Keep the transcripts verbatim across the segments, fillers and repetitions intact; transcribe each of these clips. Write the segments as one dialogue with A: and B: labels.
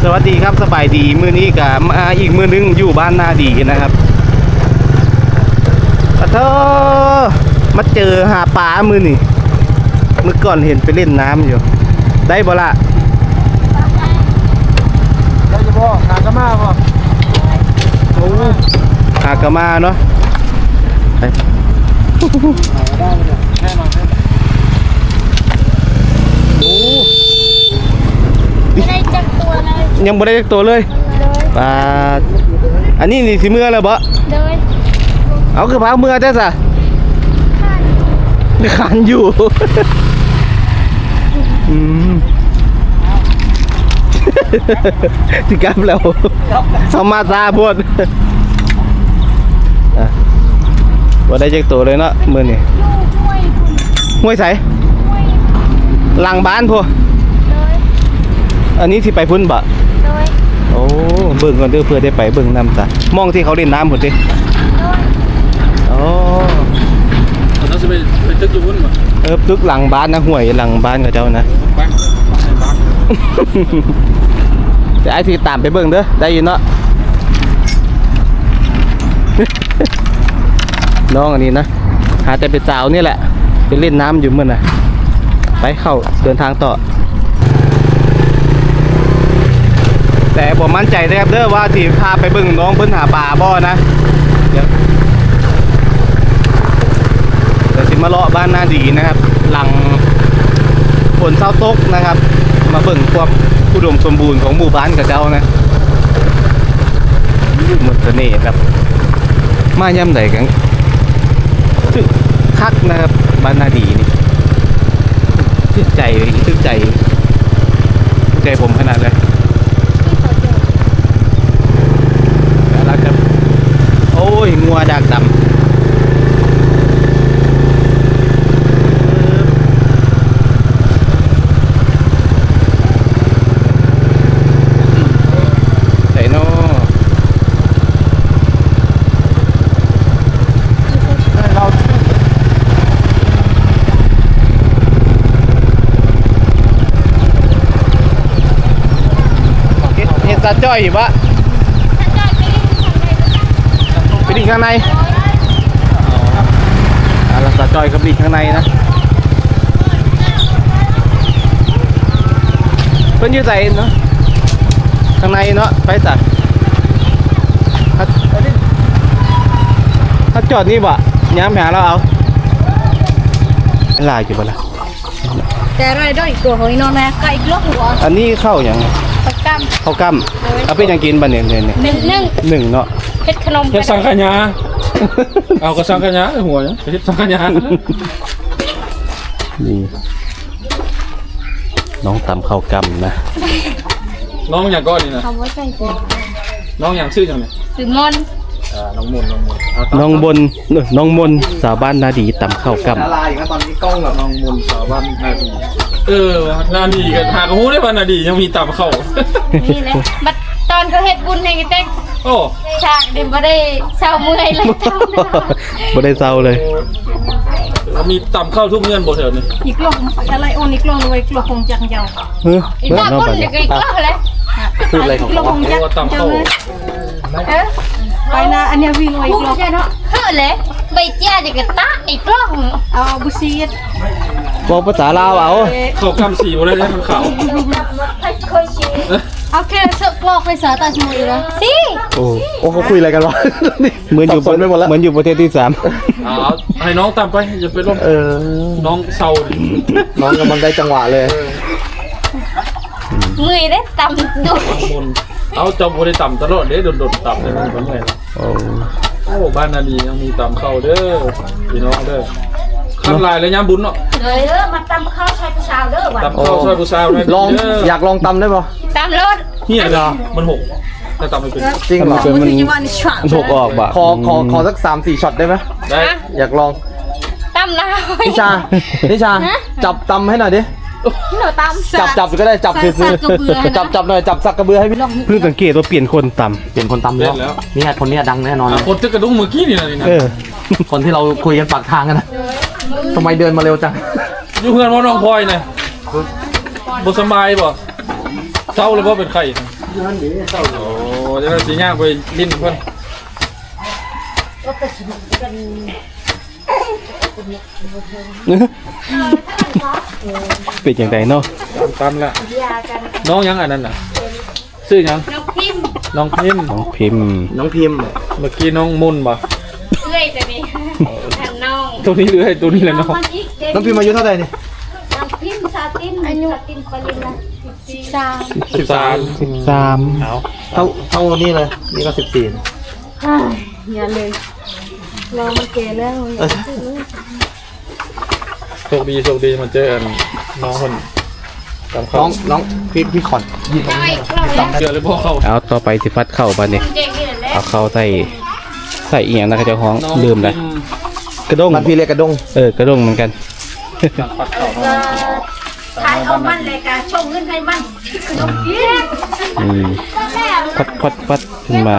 A: วัสดีครับสบายดีมื้อนี้กับมาอีกมื้อนึงอยู่บ้านนาดีนะครับปะเธอมาเจอหาปลามื้อนี่เมื่อก่อนเห็นไปเล่นน้ำอยู่ได้บ่ละ
B: ได้จะบ่หากระมาบ่
A: โอ้หากระมาเนาะไป
B: ได้เลยแน่นอนโอ้
C: ไม่ได้จักตัวเลย
A: ยังบ่ได้จักตัวเลยปลาอันนี้นี่สิเมื่อแล้วบ่
C: โดย
A: เอาคือพาเมื่อจ้ะซะขันอยู่อืมสิกลับแล้วสมาซาพวดอ่ะบ่ได้จักตัวเลยเนาะมื้อนี้
C: ห้วยคุณ
A: ห้วยไส
C: ห้วย
A: หลังบ้านพวก
C: โดย
A: อันนี้สิไปพุ่นบ่
C: โดย
A: โอ้เบิ่งก่อนเด้อเพื่อได้ไปเบิ่งน้ำจ้ะมองที่เขาเล่นน้ำพุ่นติ
C: โดย
A: โอ้
B: เราจะไปไปตึกอยู่พุ่นบ่
A: เออตึกหลังบ้านนะห้วยหลังบ้านกับเจ้านะ
B: ไปบ้าน
A: จะไอ้ที่ตามไปเบิ่งเด้อได้ยินเนาะ น้องอันนี้นะหาแต่เป็นสาวนี่แหละไปเล่นน้ำอยู่มื้อน่ะไปเข้าเดินทางต่อแต่ผมมั่นใจนะครับเด้อว่าที่พาไปเบิ่งน้องเพิ่นหาปลาบ่นะเดี๋ยวเดี๋ยวสิมาเลาะบ้านนาดีนะครับ หลังฝนเศร้าตกนะครับ มาเบิ่งความอุดมสมบูรณ์ของหมู่บ้านกับเจ้านะหมดเสน่ห์ครับมาย่ำใดกันทึกคักนะครับบ้านนาดีนี่ทึกใจทึกใจทึกใจผมขนาดเลยแล้วครับโอ้ยงัวดากดำใส่นอ
B: เรา
A: เห็นตาจ้อยอยู่ปะ
C: ถ้าจอยไปเล่นทางใดก็ได้
A: ไปดิข้างในอ่าแล้วตาจ้อยกับดิข้างในนะเพิ่นอยู่ใส่เนาะข้างในเนาะไปจ้ะถ้าถ้าจอดนี่บ่ย้ำหาเราเอาลายอยู่บ่ล่ะ
C: แต่อะไรด้วยอีกตัวหอยนอนนะก็อีกลูกหัว
A: อันนี้เข้าอย่าง
C: ตะกำ
A: ข้าวกั้มเอาเป็นอย่างกินบ่เนี่ยเนี่ยเนี่ย
C: หนึ่งหนึ่ง
A: หนึ่งเนาะ
C: เฮ็ดขนม
B: เฮ็ดสังขยาเอาก็สังขยาหัวเนี่ยเฮ็ดสังขยา
A: นี่น้องตำข้าวกั้มนะ
B: น้องอย่างก็นี่นะ
C: คำว่าใส่ตัว
B: น้องอย่างชื่อจังเนี่ย
C: สือมอน
B: อ่าน้องมนน้องมน
A: น้องบนเอ้ยน้องมนสาวบ้านนาดีตำข้าวกั้ม
B: อะไรครับตอนนี้กล้องกับน้องมนสาวบ้านนาดีเออนาดีกันหากหูได้ป่ะนาดียังมีตามเข้า
C: นี่เลยบัดตอนเขาเฮ็ดบุญให้กันเต็ก
B: โอ้
C: ฉากเดี๋ยวบ่ได้เศร้าเมื่อยเลยทำนะ
A: บ่ได้เศร้าเลย
B: มีตามเข้าทุกเงื่อนบ่แถวนี้
D: อีกโลกอะไรโอนอีกโลกเลยกลัวคงจังเจ้า
A: เฮ้ย
C: อีก
A: เบิ่ง
C: ตา
A: เนาะ
C: บุญ
A: บัด
C: เดี๋
A: นี้
C: ยวก็อีกรอบเลย
A: พูดอะไรของ
D: กลัว
A: เขา
D: คงจัง
B: ว่าตาม
D: เจ้า
B: เข้า
D: เลย
C: เออ
D: ไปนะอันเนี้ยวิ่งไว้
C: พู
D: อี
C: ด
D: กโลก
C: ใช่เนาะเฮ้อเลยใบเจ้าจะกระตะอีกรอบ
D: เอาบุซีด
A: บอกภาษาลาวเอา
B: เข้ากำสีบ่ได้ได้มันขาว
C: เคยชิม
D: เอาแค่เสื้อกลอกไปสาตาชิมเลยนะ
C: สิ
A: โอ้โอ้เขาคุยอะไรกันวะเหมือนอยู่
B: สับสนไปหมดแล้ว
A: เหมือนอยู่ประเทศที่สาม
B: เอาให้น้องตามไปอย่าไปร่วม
A: เออ
B: น้องเศร้าดิ
A: น้องกำลังได้จังหวะเลย
C: มือได้ตำดุ
B: มนเอาจอมบ่ได้ต่ำตลอดเด้โดดๆต่ำเลยมันแม่น
A: โอ้
B: โอ้บ้านนาดียังมีตามเข้าเด้อพี่น้องเด้อขั้นลายแล้วย่ำบุญเนาะ
C: เลยเด้อมาตำข้าวใช้ผู้ชาวเด้อว่ะ
B: ตามเข้าช่วยผู้สาวได้
A: ลอง
B: เด้อ
A: อยากลองตำได้ป่ะ
C: ตำรถ
B: เฮียนะมันหกถ้าตามไม่เป็น
A: จริงเหรอ
D: มันจะว่านี่ฉะ
A: มันถูกออกบ่ขอขอขอสักสามสี่ช็อตได้ไหม
B: ได้
A: อยากลอง
C: ตำลาว
A: นิชานิชาจับตำให้หน่อยดิ
C: หนูตำ
A: จับจับก็ได้จับซื้อจับจับหน่อยจับสักกระเบือให้พี่เพิ่งสังเกตว่าเปลี่ยนคนตำเปลี่ยนคนตำ
B: เล่
A: แล้ว
B: นแล้ว
A: นี่คนนี้ดังแน่นอน
B: อ่ะคนจะกระดุ้งเมื่อกี้นี่นะนี่นะ
A: เออคนที่เราคุยกันปากทางกันนะทำไมเดินมาเร็วจัง
B: อยู่เพื่อนว่าน้องพลอยเนี่ยบ่สบายบ่เศร้าแล้วบ่เป็นไข้โอ้จะได้สีย่างไปลิ้นเพิ่น
A: เป็นอย่างไรเนาะ
B: ตามละน้องยังอันนั้นน่ะชื่อยัง
C: น้องพิมพ์
B: น้องพิมพ์
A: น้องพิมพ์
E: น้องพิมพ์
B: เมื่อกี้น้องมุนบ่
C: เอื้อยตัวนี้ทำน้อง
B: ตัวนี้หรือไอ้ตัวนี้แหละน้อง
E: น้องพิมพ์อายุเท่าไหร่นี่
C: น้องพิมพ์ซาตินอายุซาตินปริญญาสิบสาม
B: สิบสาม
A: สิบสาม
B: เอา
E: เท่าเท่านี่เลยนี่ก็สิบสี่
D: อย่าเลยเรามาเกะแล้ว
B: โชคดีโชคดีมาเจออันน้องคนตาม
E: น้
B: เขา
E: องน้องพี่พี่ขอนยิง
C: น้อยเราแล้ว
B: เจอเลยพ่อเขา
A: เอาต่อไปสิฟัดเข้าบ้านนี่
C: เจ๊งนี่แหละ
A: เอาเข้าใส่ใส่อีหยังนะครับเจ้าของลืมเลยกระด้ง
E: มันพี่เรียกกระดง
A: เออกระด้งเหมือนกัน
B: ปัดเขา
C: ก็ทายเอามันเลยกะชงเงินให้มันขนมกิน
A: อืมพัดพัดพัดขึ้นมา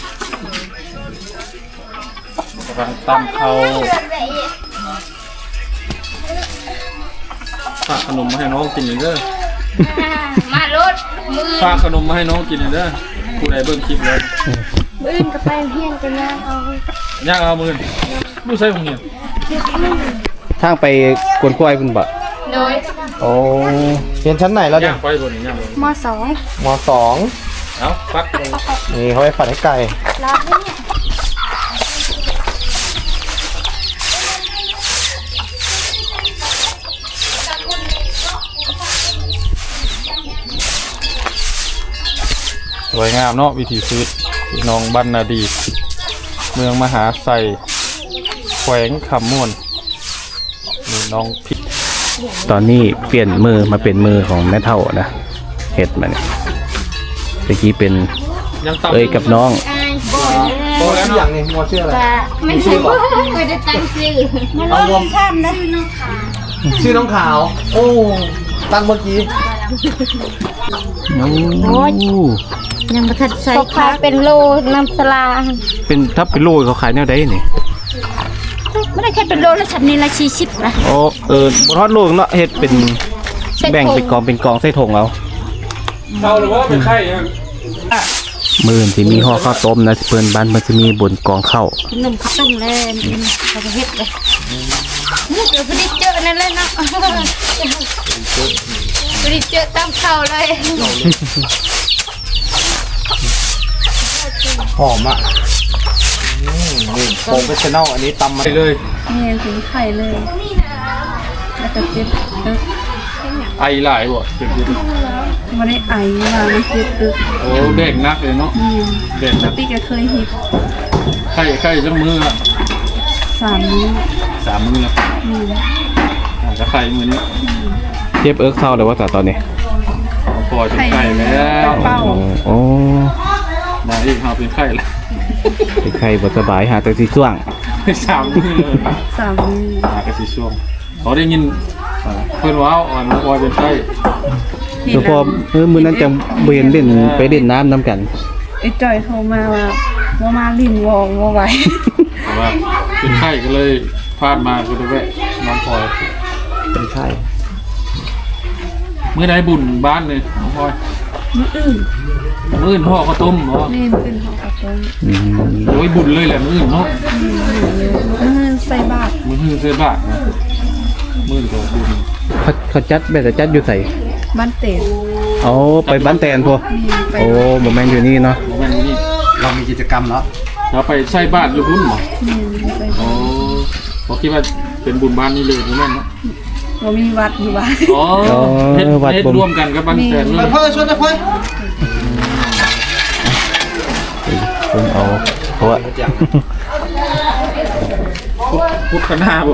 B: ตามเขาฝากขนมมาให้น้องกินเด้อ
C: มารถมือ
B: ฝากขนมมาให้น้องกินเด้อผู้ใดเบิ่งคลิปเลย
C: มือกับไปเฮียนกันนะเอา
B: ย่างเอามือดูใส่ของเหียน
A: ทางไปกวนกล้วยคุณบ่
C: โดย
E: โอ้เรียนชั้นไหนแล้วเนี่
B: ย่าย งไปบนนี้ย่างบน
C: มสอง
E: มสอง
B: เอาฟัก
E: นี่เขาไปฝัดให้ไก่
C: รอบนี้เนี่ย
B: สวยงามเนาะวิถีชีวิตพี่น้องบ้านนาดี เมืองมหาไซแขวงคำม่วนนี่น้องพิษ
A: ตอนนี้เปลี่ยนมือมาเป็นมือของแม่เท่านะเห็ดมาเนี่ยเมื่อกี้เป็น
B: ยังต่ำ
A: เอ้ยกับน้อง
C: อายบ่อย
B: โตแล้ว
E: ชื่ออ
B: เนาะ
E: ย่างนี้มัวชื่ออะไร
C: ไม่ใช่บ่ไม่ได้ตั้งชื่อ
E: เอารวม
C: ข้ามนะน้องขา
E: ชื่อน้องขาว โอ้ตั้งเมื่อกี้
A: โอ้
C: ยังประทัดใส่ขาเป็นโลน้ำสลา
A: เป็นทับเป็นโลเขาขายแนวใดนี่
C: ไม่ได้แค่เป็นโลละสับนี่ละชีชิบนะ
A: โอ้เออบทอดโลกเนาะเฮ็ดเป็นแบ่งเป็นกองเป็นกองใส่ถุงเอา
B: เข้าหรือว่าเป็นไข่ยัง
A: มือที่มีห่อข้าวต้มนะเพิ่นบ้านมันจะมีบนกองข้าว
C: ขนมข้าวต้มเลยเขาจะเฮ็ดเลยนี่เดี๋ยวพอดีเจอนั่นเลยเนาะพอดีเจอตามเขาเลย
E: หอมอ่ะอืมนี่โปรเฟชชั่นอลอันนี้ตำมา
B: ไปเลย
D: นี่ถึงไข่เลยแล้วก็เจ็บตึก
B: ไอหลายบ่เจ็บดิ
D: ไม่ได้ไอมามันเจ็บตึก
B: โอ้เด็กนักเลยเนาะเด็ก
D: ป
B: นั
D: ก
B: ก
D: ติก็เคยเห็ด
B: ไข่ไข่จังมือละ
D: สามนิ้ว
B: สามมือละอาจจะไข่มือนี้
A: เจ็บเอิกเท่าเลยว่าแต่ตอนนี้
B: พอเป็นไข่แล้ว
D: เป้า
A: โอ้โอ้
B: มาอีกเราเป็นไข่แล้ว
A: เป็นใครบ่สบายหาแต่สิช่วง
B: สามมือเลย
D: สามนิ้ว
B: หากระสีช่วงเขาได้ยินอ่าเพื่อนว้าวอ่อนน้องพลอยเป็นไข่
D: เห็
A: แล้
D: น
A: วพอ
D: แล้ว
A: เออมื้อนั้นจังบ่เห็นเล่นไปเล่นน้ำนํกัน
D: ไอ้จอยโทรมาว่าว่ามาลินวองว่าไหว
B: แต่ว่าเป็นไข่ก็เลยพลาดมาก็เลยแวะน้องพลอย
E: เป็นไข่
B: เมื่อใดบุญบ้านเลยน้องพลอย
D: มื้ออื่น
B: มื้ออื่นพ่อข้าวต้มเนาะ
D: นี่เป็นของกระต้ม
A: อืม
B: โอ้ยบุญเลยแหละมื้ออื่นเนาะ
D: มื้ออื่นใส่บาตร
B: มื้ออื่นเสื้อบาทนะมื้ออื่นก็บุญ
A: เขาเขาจัดแบบจะจัดอยู่ใส่
D: บ้านเต็ม
A: เอาไปบ้านแตนพวก
D: ไป
A: โอ้บ่แม่นอยู่นี่เนาะ
B: โมเมนต์นี้
E: เรามีกิจกรรมแล้ว
B: เราไปใส่บาทอยู่พุ่นเหรอ
D: นี่ไป
B: โอ้ผมคิดว่าเป็นบุญบ้านนี่เลยโมเมนต์เนาะ
D: ว่ามีวัดอยู่บ้าน
B: อ๋อเฮ็ดเฮ็ดร่วมกันกับบ้านแตนเล
E: ไป
B: ย
E: เพื่อชวนนะเพื่อ
A: เพิ่นเอาเพราะว่า
B: พุทธนาบ่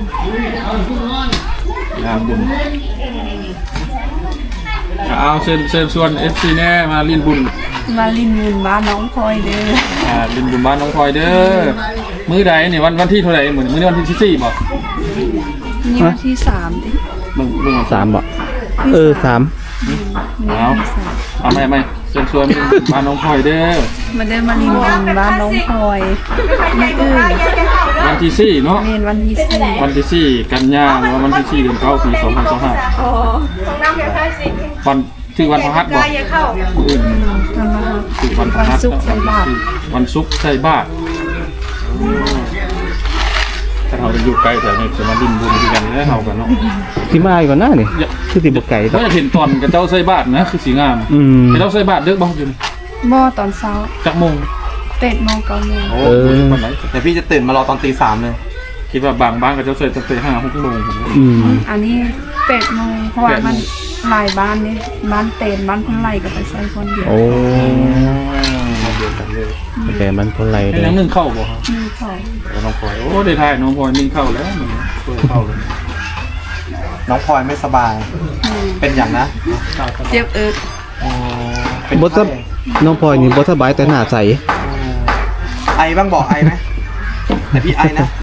B: งานบุญเอาเชิญเชิญชวน เอฟ ซี แน่มาเล่นบุญ
D: มาลินบุญบ้านน้องพลอยเด้อ
B: อ่าเล่นบุญบ้านน้องพลอยเด้อมื้อใดนี่วันวันที่เท่าไหร่เหมือนมื้อนี้วันที่สิบสี่บ่
D: นี่วันที่สามดิ
B: มึงมึง
A: สามบ่เออสาม
D: นี่
B: เอา
D: วันที่สาม
B: เอาไม่ไม่เชิญชวนบ้านน้องพลอยเด้อ
D: มาได้มาลินบุญบ้านน้องพลอยมื้ออื่น
B: วันที่สี่เนาะ
D: เมนวันที่สี่
B: วันที่สี่กันยาหรือว่าวันที่สี่เดือนเก้าปีสองพันสองห้าวันชื่อวันพฤหัสบ่
C: อย่าเข้า
B: อื่น
C: ทำมา
B: ชื่อวันพฤ
C: วัน
B: หัส
C: ศุกร์ใส่บาตร
B: วันศุกร์ใส่บาตรถ้าเราจะอยู่ใกล้แต่เนี่ยจะมาดินบุญด้วยกันแล้วเฮากันเนาะ
A: สิมาอีกก่อนหน้านี่คือสิบ่ไกล
B: ก็
A: ดอก
B: จะเห็นตอนกับเจ้าใส่บาตรนะคือสีงาม
A: อืม
B: เจ้าใส่บาตรเด้อบ่อยู่นี่
C: หม้อตอนเช้า
B: จักโมง
C: เตะโมงเก้าโมง
B: โอ้
A: เออ
B: วันไหน
E: เดี๋ยวพี่จะตื่นมารอตอนตีสามเลย
B: คิดว่าบางบ้านกับเจ้าใส่ตั้งแต่ห้าหกโมงผมว่า
A: อืม
C: อันนี้เตะโมงเพราะว่า
B: แปดโมง
C: มันหลายบ้านนี่บ้านเตนบ้านคนไหลก็ไปใส่คนเดียว
A: โอ้
B: เดียวกันเลย
A: แต่มันคนไร
B: ให้
A: เด้
B: นั
A: อง
B: นึ่งเข้าบ่ครับ
C: มีเขา
B: แล้วน้องพลอยโอ้ได้ทายน้องพลอยนึ่งเข้าแล้วมันช่วยเข้าเลย
E: น้องพลอยไม่สบาย เป็นอย่างนะ
C: เจ็บเอิก
E: อ๋อเป็น
A: บ่
E: ไข้
A: สบน้องพลอยนี่บ่สบายแต่หน้าใส
E: ไอบ้างบอกไอไหมแต่พี่ไอนะ